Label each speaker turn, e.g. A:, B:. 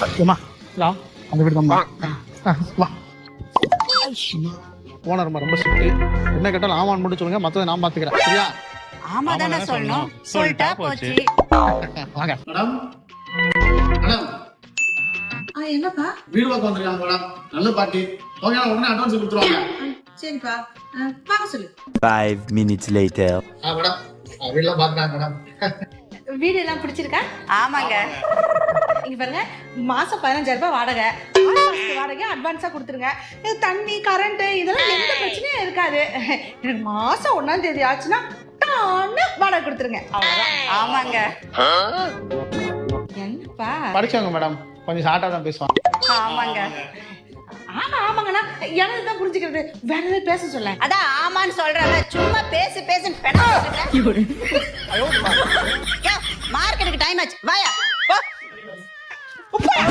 A: ஏம்மா லா அந்த வீடு தான் வா. ஓனர் ரொம்ப ஸ்ட்ரிக்ட். என்ன கேட்டாலும் ஆமான்னு மட்டும் சொல்லுங்க, மத்ததை நான் பாத்துக்கிறேன். சரியா?
B: ஆமா தானே சொல்லணும். சொல்லிட்டா போச்சு.
A: வாங்க மேடம். மேடம்
C: என்னப்பா?
A: வீடு பார்க்க வந்திருக்காங்க மேடம். நல்ல பாட்டி. ஓகே, உடனே அட்வான்ஸ் கொடுத்துருவாங்க.
C: சரிப்பா, வாங்க சொல்லு.
D: 5 minutes later.
A: மேடம் வீடெல்லாம் பார்த்துட்டாங்க மேடம்.
C: வீடு எல்லாம் பிடிச்சிருக்கா?
B: ஆமாங்க.
C: இங்க பாருங்க, மாசம் 15,000 ரூபாய் வாடகை. 6 மாசத்து வாடகை அட்வான்ஸா கொடுத்துருங்க. இது தண்ணி கரண்ட் இதெல்லாம் எந்த பிரச்சனையும் இருக்காது. எனக்கு மாசம் 1ஆம் தேதி ஆச்சுன்னா டான்னு வாடகை கொடுத்துருங்க. அவ்வளவுதான்.
B: ஆமாங்க.
C: என்னப்பா?
A: படிச்சவங்க மேடம், கொஞ்சம் ஷார்ட்டா தான் பேசுவாங்க.
B: ஆமாங்க.
C: ஆமா ஆமாங்கண்ணா, எனக்கு தான் புரிஞ்சுக்கிறது. வேற ஏதாவது பேச சொல்ல.
B: அதான் ஆமான்னு சொல்றல, சும்மா பேசு பேசுன்னு பெண். மார்க்கெட்டுக்கு டைம் ஆச்சு. வாயா போ.